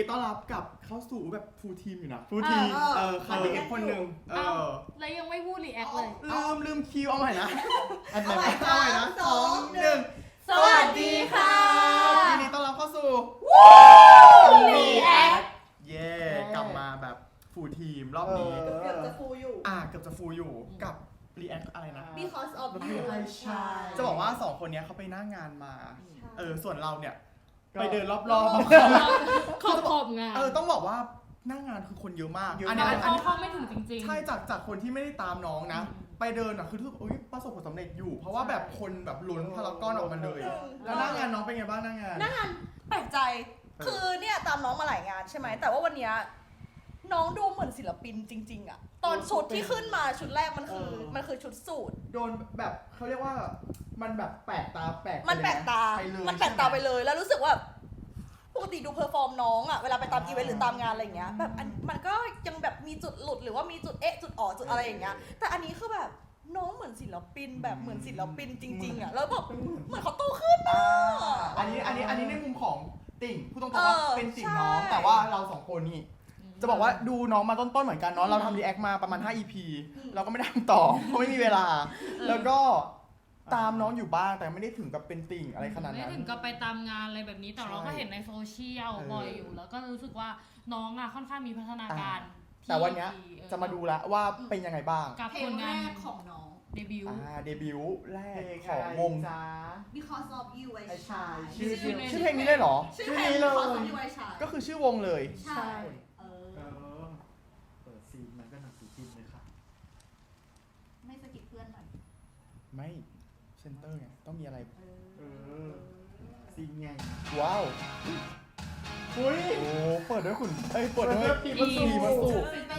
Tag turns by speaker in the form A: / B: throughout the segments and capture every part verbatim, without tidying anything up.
A: ต้อนรับกับเข้าสู่แบบฟูลทีมอยู่นะฟูลทีมเออขาดอีกคนหนึ่งเออ
B: แล้วยังไม่พูดรีแอคเลย
A: ลืมลืมคิวเอาใหม่นะอันไหนเอาใหม่นะสองหนึ่ง
B: สวัสดีค่ะ
A: ยินดีต้อนรับเข้าสู่
B: รีแอค
A: เย่กลับมาแบบฟูลทีมรอบนี้
C: เกือบจะฟูอยู่
A: อ่ะเกือบจะฟูลอยู่กับรีแอคอะไรนะ
C: because of you
A: จะบอกว่าสองคนนี้เขาไปหน้างานมาเออส่วนเราเนี่ยไปเดินรอบๆ
B: ขอบขอบงาน
A: เออต้องบอกว่าหน้างานคือคนเยอะมาก
B: อันนี้เขาเข้าไม่ถึงจริงๆ
A: ใช่จากจากคนที่ไม่ได้ตามน้องนะไปเดินอ่ะคือทุกคนประสบผลสำเร็จอยู่เพราะว่าแบบคนแบบล้นพารากอนออกมาเลยแล้วหน้างานน้องเป็นไงบ้างหน้างาน
C: หน้างานแปลกใจคือเนี่ยตามน้องมาหลายงานใช่ไหมแต่ว่าวันนี้น้องดูเหมือนศิลปินจริงๆอ่ะตอนชุดที่ขึ้นมาชุดแรกมันคือมันคือชุดสูท
A: โดนแบบเขาเรียกว่ามันแบบแปลกตาแปลก
C: มันแปลกตามันแปลกตาไปเลยแล้วรู้สึกว่าปกติดูเพอร์ฟอร์มน้องอ่ะเวลาไปตามอีเวนต์หรือตามงานอะไรอย่างเงี้ยแบบมันก็ยังแบบมีจุดหลุดหรือว่ามีจุดเอ๊ะจุดอ๋อจุดอะไรอย่างเงี้ยแต่อันนี้คือแบบน้องเหมือนศิลปินแบบเหมือนศิลปินจริงๆอ่ะแล้วแบบเหมือนเขาโตขึ้นอ่ะ
A: อันนี้อันนี้อันนี้ในมุมของติ่งพูดตรงๆว่าเป็นติ่งน้องแต่ว่าเราสองคนนี่จะบอกว่าดูน้องมาต้นๆเหมือนกันเนาะเราทำรีแอคมาประมาณห้า อี พี เราก็ไม่ได้ทำต่อเพราะไม่มีเวลาแล้วก็ตามน้องอยู่บ้างแต่ไม่ได้ถึงกับเป็นติ่งอะไรขนาดนั้น
B: ไม่ถึงกับไปตามงานอะไรแบบนี้แต่เราก็เห็นในโซเชียลบ่อยอยู่แล้วก็รู้สึกว่าน้องอ่ะค่อนข้างมีพัฒนาการ
A: แต่วันนี้จะมาดูแล้วว่าเป็นยังไงบ้าง
B: กับผลงาน
C: ของน้อง
B: เดบิวต์
A: อ่าเดบิวต์แรกของวง
C: because of you I shine
A: ชื่อชื่อเพลงนี้เลยเหรอ
C: ชื่อนี้เลย
A: ก็คือชื่อวงเลย
C: ใช่
A: เออเปิดซีนมันก็หนักสีพิมพ์เลยค่ะ
C: ไม่สกิปเพื่อนหน่อย
A: ไม่เซนเตอร์ไงต้องมีอะไร
C: เออ
A: ซีนไงว้าวอุ้ยโอ้เปิดด้วยคุณเอ้ยเปิดด้วยพีมาสูมาสู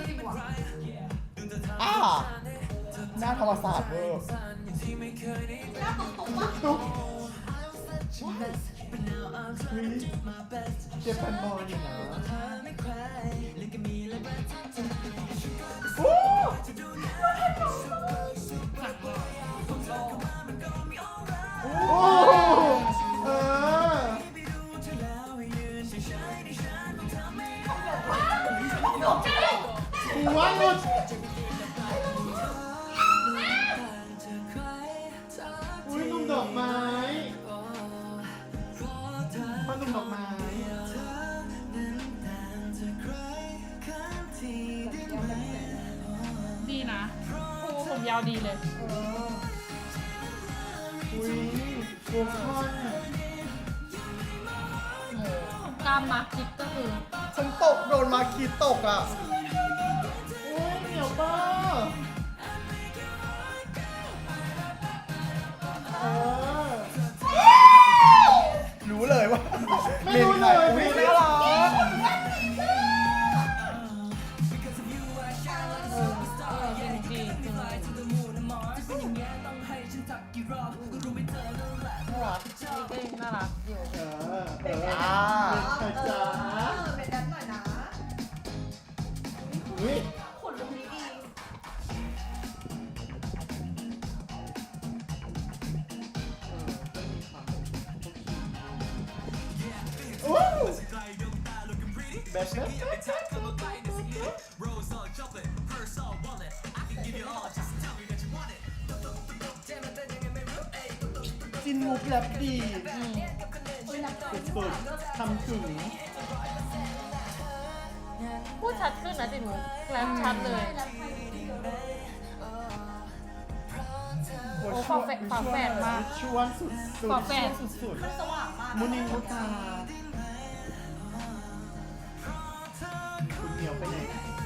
A: อ่าหน้าธรรมศาสตร์เวอร์
C: หน้าตุ๊กตุ๊กวะ
A: ตุ๊กเจ็บแฟนบอลอยู่นะโอ้โอ้เออหัวหลุดอุ้ยนุ่มดอกไม้ป้านุ่มดอกไม้
B: ดีนะโอ้ผมยาวดีเลย
A: อุ้ยโกคอน
B: ตามมาคิดก็คือ
A: ฉันตกโดนมาคีตกอ่ะโอ้ยเหนียวป้าเออรู้เลยว่าไม่รู้เลยอุ้ยน่ารัก
B: น่ารักอยู่
A: เออเออ
C: อ่าเออเป็นแดนหน่อยนะ
A: อุ้ย
C: ขนลุกนี้ดี
A: อู้เบสเนสจินมุกแรปดีสุดๆทำถึง
B: พูดชัดขึ้นนะจิ๋วแรปชัดเลยโอ้ฝาแฝดฝาแฝดมาก
A: ชวนสุดๆ
B: ฝาแฝด
A: สุด
C: ๆสว่างมาก
A: มุนิมุตาคุณเหนียวไปไหน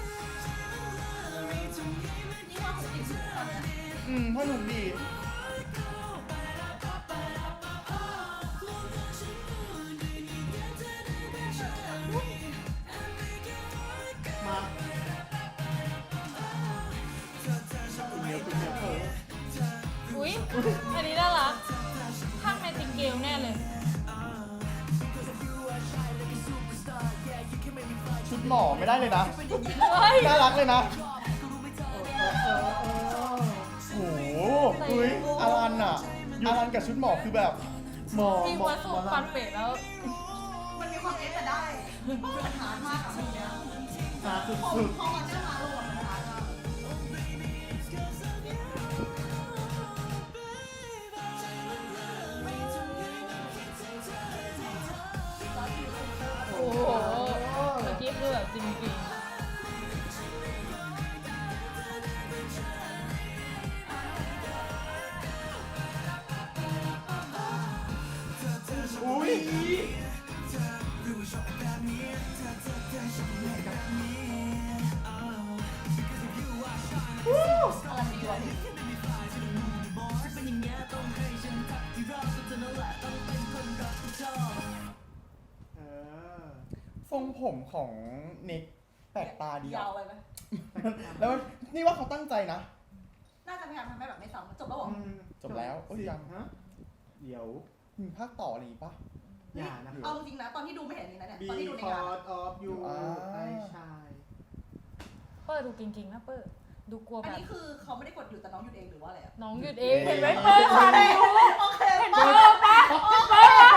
A: อืมพ่อหนุ่มดีมาเหนียวเป็นเหนียวเผอ
B: อุ้ยอันนี้น่ารักข้างในติงเกลแน่เลย
A: ชุดหมอไม่ได้เลยนะน่ารักเลยนะโอ้โหอุ้ยอารันอ่ะอารันกับชุดหมอคือแบบหมอ
B: ที่
A: หมอ
B: ว่าสูงฟันเป็ดแล้ว
C: มันมีความเอ๊ะแต่ได้มันหามากอะเพลงเนี้ย
A: หาสุ
C: พอ
A: ด
C: พอมันได้มาลงอะมันหามาก
B: โอ้โหเมื่อกี้คือแบบจริง
A: ๆอุ้ย
C: อะไรดีวะพี่
A: เออทรงผมของเน็กแปลกตาดี
C: ยา
A: อะ
C: วไปไหม
A: แล้วนี่ว่าเขาตั้งใจนะ
C: น่าจะพยายามทำให้แบบไม่ซ้ำจบแล้วเหรอ
A: จบแล้วโอ้ยยัง
D: ฮะเดี๋ยว
A: มีภาคต่ออะไรอีกปะ
D: อย่านะครับ
C: เอาจริงนะตอนที่ดูไม่เห็นนี่นะเนี่ยตอนที่ดูในงาน
D: Because of you
A: อ่า
D: I shine
B: ๆ เปิดดูเก่งๆนะเปิดดูกลัว
C: อัน
B: แบบ
C: นี้คือเขาไม่ได้กดหยุดแต่น้องหยุดเองหรือว่าอะไรอะ
B: น้องหยุดเองเห็นไหมเปิดค่ะได้รู้
C: โอเค
B: เห็น
C: ปะ
B: เปิดปะเปิดปะ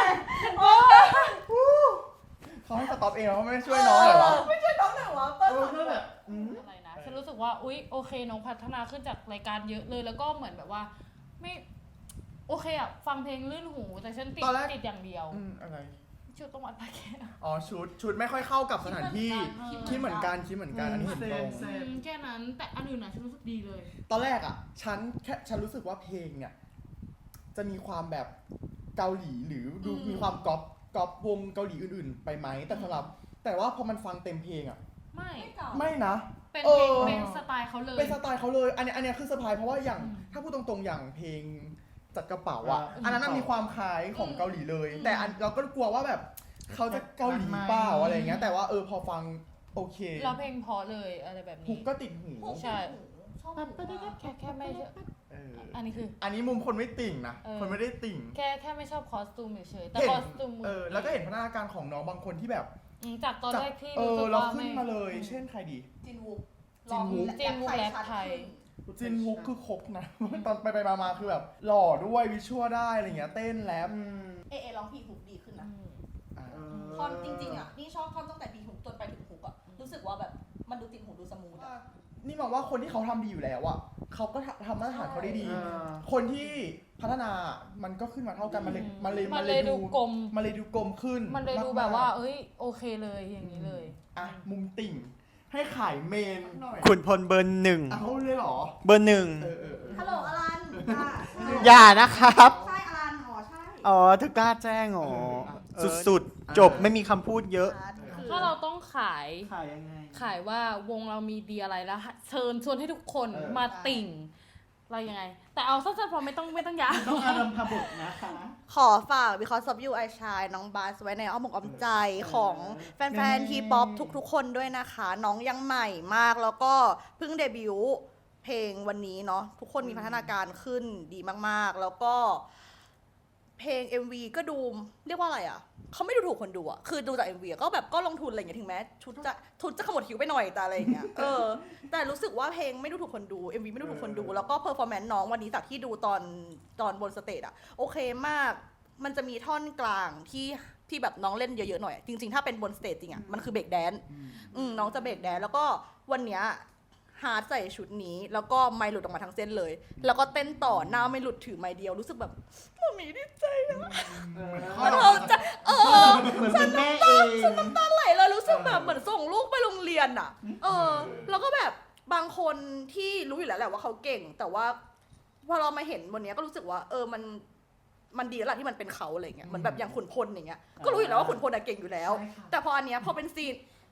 A: เขาให้สต็อปเองแล้วเขาไม่ช่วยน้องเหรอวะ
C: ไม่ช่วยน้องหน่อยวะเปิ้ล
D: เออก็แบบอืม
B: อะไรนะฉันรู้สึกว่าอุ๊ยโอเคน้องพัฒนาขึ้นจากรายการเยอะเลยแล้วก็เหมือนแบบว่า ไม่โอเคอะฟังเพลงลื่นหูแต่ฉันติดติดอย่างเดียว
A: อืมอะไร
B: ชุดต้องวัดปากแก้
A: อ๋อชุดชุดไม่ค่อยเข้ากับสถานที่
B: คิด
A: คิดเหมือนกันคิดเหมือนกันอันนี้เห็นตรง
D: เซม
B: อืมแค่นั้นแต่อันอื่นอะฉันรู้สึกดีเลย
A: ตอนแรกอ่ะ ฉันแค่ฉันรู้สึกว่าเพลงเนี่ย จะมีความแบบเกาหลีหรือดูมีความก๊อปก๊อปวงเกาหลีอื่นๆ ไปไหมแต่สำหรับ แต่ว่าพอมันฟังเต็มเพลงอ่ะ
B: ไม่
C: ไม่เก่า
A: ไม่นะ
B: เป็น
A: เอ
B: เพลง
A: อ
B: เป็นสไตล์เขาเลย
A: เป็นสไตล์เขาเลย อันนี้อันนี้คือเซอร์ไพรส์เพราะว่าอย่าง
B: อืม
A: ถ้าพูดตรงๆอย่างเพลงจัดกระเป๋าอ่ะ
D: อ่า
A: อันนั้นนะมีความคล้ายของเกาหลีเลย
B: อืม
A: แต่อันเราก็กลัวว่าแบบเขาจะเกาหลีเปล่าอะไรเงี้ยแต่ว่าเออพอฟังโอเค
B: เราเพลงเพราะเลยอะไรแบบ
A: ฮุ
B: นี้
A: กก็ติดหู
B: ใช่
C: ชอบ
B: แค่แค่ไม่ใช่
A: เออ
B: อันนี้คือ
A: อันนี้มุมคนไม่ติ่งนะ
B: เออ
A: คนไม่ได้ติ่ง
B: แค่แค่ไม่ชอบคอสตูมเฉยๆแต่
A: เห็น
B: คอสตูม
A: เออแล้วก็เห็นพัฒนาการของน้องบางคนที่แบบ
B: อืมจากตอน
A: จาก
B: แรกที่
A: เอ
B: รู้
A: อ
B: สึก
A: เรา
B: ว่า
A: ขึ้น
B: ไม่
A: มาเลย เช่นใครดี
C: จินวุก
A: จินวุก
B: จินวุกแรปไทย
A: จินฮุกคือครบนะ ตอนไปไปมามาคือแบบหล่อด้วยวิชวลได้อะไรเงี้ยเต้นแรป
D: อืม
C: เอเอร้องพีฮุกดีขึ้นนะ
A: อ่า
D: เอ
C: ท่อนจริงๆอ่ะนี่ชอบท่อนตั้งแต่พีฮุกจนไปถึงฮุกอ่ะรู้สึกว่าแบบมันดูติดหูดูสมูทอ่ะ
A: นี่มองว่าคนที่เขาทำดีอยู่แล้วอ่ะเขาก็ทำทำมาตรฐานเขาได้ดี
D: เออ
A: คนที่พัฒนามันก็ขึ้นมาเท่ากันมันเลย
B: อืม
A: มันเลย
B: มันเลยดูกลม
A: มันเลยดูกลมขึ้น
B: มันเลยดู
A: กๆ
B: แบบว่า เอ้ยโอเคเลยอย่างนี้เลย
A: อ่ะมุมติ่ง ให้ขายเมนหน่อย
E: ขุนพลเบอร์หนึ่ง
A: เอาเลยเหรอ
E: เบอร์หนึ่ง
A: เออเออเออ
C: ฮัลโหลอลันค่ะ
E: อย่านะครับ
C: ใช่อลันอ๋อใช่
E: อ๋อถึงกล้าแจ้งอ๋อ
A: เออ
E: สุดๆ จบไม่มีคำพูดเยอะ
B: ถ้าเราต้องขาย
D: ขายยังไง
B: ขายว่าวงเรามีดีอะไรแล้วเชิญชวนให้ทุกคน
A: เออ
B: มาติ่ง เรายังไง แต่เอาสั้นๆพอไม่ต้องไม่ต้องยาว
D: ต้องอารัมพบุตรนะคะ
C: ขอฝาก because of you I shine น้องบาสไว้ในอ้อมอกอ้อมใจของแฟนๆทีป๊อปทุกๆ คนด้วยนะคะ น้องยังใหม่มากแล้วก็เพิ่งเดบิวต์เพลงวันนี้เนาะทุกคนมีพัฒนาการขึ้นดีมากๆ แล้วก็เพลง เอ็ม วี ก็ดูเรียกว่าอะไรอ่ะเขาไม่ดูถูกคนดูอ่ะคือดูจาก เอ็ม วี อะก็แบบก็ลงทุนอะไรอย่างเงี้ยถึงแม้ชุดจะชุดจะขมวดคิ้วไปหน่อยแต่อะไรอย่างเงี้ยเออแต่รู้สึกว่าเพลงไม่ดูถูกคนดู เอ็ม วี ไม่ดูถูกคนดู แล้วก็เพอร์ฟอร์แมนซ์น้องวันนี้จากที่ดูตอนตอนบนสเตจอ่ะโอเคมาก มันจะมีท่อนกลางที่ที่แบบน้องเล่นเยอะๆหน่อย จริงๆ ถ้าเป็นบนสเตจจริงอ่ะมันคือเบรกแดนซ์อืมน้องจะเบรกแดนซ์แล้วก็วันเนี้ยฮาร์ดใส่ชุดนี้ แล้วก็ไมค์หลุดออกมาทั้งเส้นเลย แล้วก็เต้นต่อหน้าไม่หลุดถือไมค์เดียวรู้สึกแบบมันมีดีใจนะ
D: เออ
C: เราจะเออ
D: เหมือนเป็นแม่เอง
C: น้ำไหลเลยรู้สึกแบบเหมือนส่งลูกไปโรงเรียนอ่ะ เออ แล้วก็แบบบางคนที่รู้อยู่แล้วแหละว่าเขาเก่ง แต่ว่าพอเรามาเห็นบนเนี้ยก็รู้สึกว่า เออมันมันดีแล้วล่ะที่มันเป็นเขาอะไรเงี้ยเหมือนแบบอย่างขุนพลอย่างเงี้ยก็รู้อยู่แล้วว่าขุนพลอะเก่งอยู่แล้ว
D: ใช่ค่ะ
C: แต่พออันเนี้ยพอเป็นซีน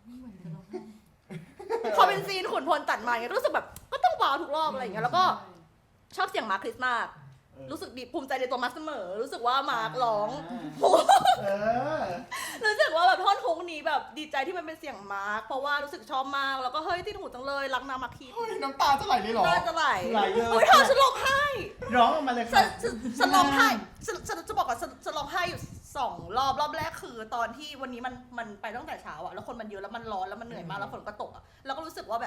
C: พอเป็นซีนขุนพลตัดมาเงี้ยก็รู้สึกแบบก็ต้องว้าวทุกรอบอะไรเงี้ยแล้วก็ชอบเสียงมาร์คคริสมากรู้สึกดีภูมิใจในตัวมาร์คเสมอ รู้สึกว่ามาร์คร้อง
A: เออ
C: รู้สึกว่าแบบท่อนฮุกนี้แบบดีใจที่มันเป็นเสียงมาร์คเพราะว่ารู้สึกชอบมากแล้วก็เฮ้ยติดหูจังเลยรักนามาร์คคี
A: เฮ้ยน้ำตาจะไหลเลยเหรอ
C: น่าจะไหล
D: ไหลเยอะ
C: เฮ้ยเธอฉันร้องไห้
D: ร้องออกมาเลย
C: ฉั
D: ค่ะ
C: นฉันฉันร้องไห้ฉันฉันจะบอกว่าฉันฉันร้องไห้อยู่สองรอบรอบแรกคือตอนที่วันนี้มันมันไปตั้งแต่เช้าอะแล้วคนมันเยอะแล้วมันร้อนแล้วมันเหนื่อยมากแล้วฝนก็ตกอะแล้วก็รู้สึกว่าแบบ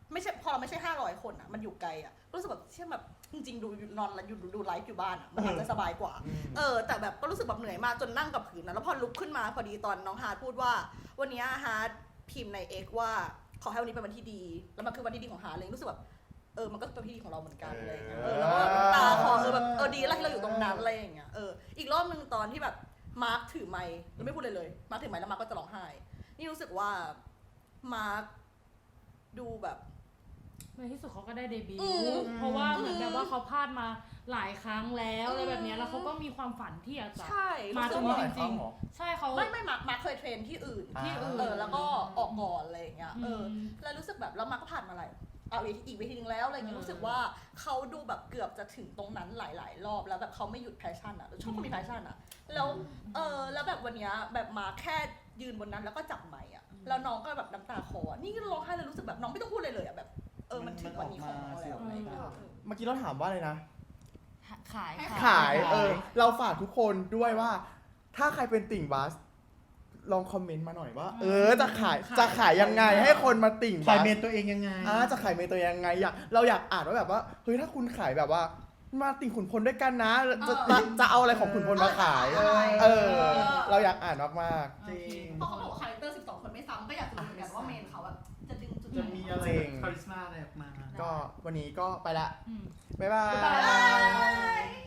C: ไม่ใช่พอเราไม่ใช่ห้าร้อยคนอ่ะมันอยู่ไกลอ่ะรู้สึกแบบเชื่อแบบจริงๆดูนอนแล้วอยู่ดูไลฟ์อยู่บ้านอ่ะมันอาจจะสบายกว่า เออแต่แบบก็รู้สึกแบบเหนื่อยมากจนนั่งกับพื้นนะแล้วพอลุกขึ้นมาพอดีตอนน้องฮาร์ดพูดว่า วันนี้ฮาร์ดพิมพ์ใน X ว่าขอให้วันนี้เป็นวันที่ดีแล้วมันคือวันที่ดีของฮาร์ดเลยรู้สึกแบบเออมันก็เป็นวันที่ดีของเราเหมือนกันอะไรอย่างเงี้ยเออแล้วก็ตาคอเออแบบเออดีแล้วที่เราอยู่ตรงนั้นอะไรอย่างเงี้ยเอออีกรอบนึงตอนที่แบบมาร์คถือไมค์แล้วไม่พูดเลยเลยมาร์คถือไมค์แล้วมาร์คก็จะร้องไห้นี่รู้สึกว่ามาร์คดูแบบ
B: ในที่สุดเขาก็ได้เดบิว
C: อืม
B: ต์เพราะว่าเหมือนแบบว่าเขาพลาดมาหลายครั้งแล้วอะไรแบบเนี้ยแล้วเขาก็มีความฝันที่อยากจะ
C: ใช่
B: มา
C: รู้
B: ต
C: สึ
B: ร
C: ก
B: ง
C: ว่า
B: นี้จริงๆใช่เขา
C: ไม่ไม่มาร์คมาร์คเคยเทรนที่อื่น
B: ที่อื่น
C: เออแล้วก็ออกก่อนอะไรอย่างเงี้ยเออ
B: ม
C: แล้วรู้สึกแบบแล้วมาร์คก็ผ่านมาหลายเอาเวทีอีกเวทีนึงแล้วอะไรเงี้ย
B: เออ
C: รู้สึกว่าเขาดูแบบเกือบจะถึงตรงนั้นหลาย ๆ รอบแล้วแบบเขาไม่หยุดแพชชั่นอะชอบคนมีแพชชั่นอะแล้วเออแล้วแบบวันเนี้ยแบบมาแค่ยืนบนนั้นแล้วก็จับไมค์อะแล้วน้องก็แบบน้ำตาคลออะนี่ก็ร้องไห้เลยรู้สึกแบบน้องไม่ต้องพูดเลยเลยอะแบบเออมันถึงวันนี้ของน้องแล้วอะไรเงี้ย
A: เมื่อกี้เราถามว่าอะไรนะ
B: ขาย
A: ขาย เออ เราฝากทุกคนด้วยว่า ถ้าใครเป็นติ่งบัส ลองคอมเมนต์มาหน่อยว่า เออ จะขาย จะขายยังไงให้คนมาติ่ง
D: ขาย
A: บัส
D: เมนตัวเองยังไง
A: อ่าจะขายเมนตัวยังไงอยากเราอยากอ่านว่าแบบว่า เฮ้ย ถ้าคุณขายแบบว่า มาติ่งขุนพลด้วยกันนะ จะจะจะเอาอะไรของขุนพลมาขาย
C: เออ
A: เออ เราอยากอ่านมาก
D: จริง
C: เพราะเขาบอกว่าคาแรคเตอร์สิบสองคนไม่ซ้ำก็อยากจะรู้เหมือนกันว่าเมนเขาแบบจะดึงจุดไห
D: จะ
C: น
D: มีอะไร
A: จริง
D: คาริสมาอะไรออกมา
A: ๆ ก็วันนี้ก็ไปละ
B: อืม
A: บ๊ายบา
C: บ๊ายบาย ย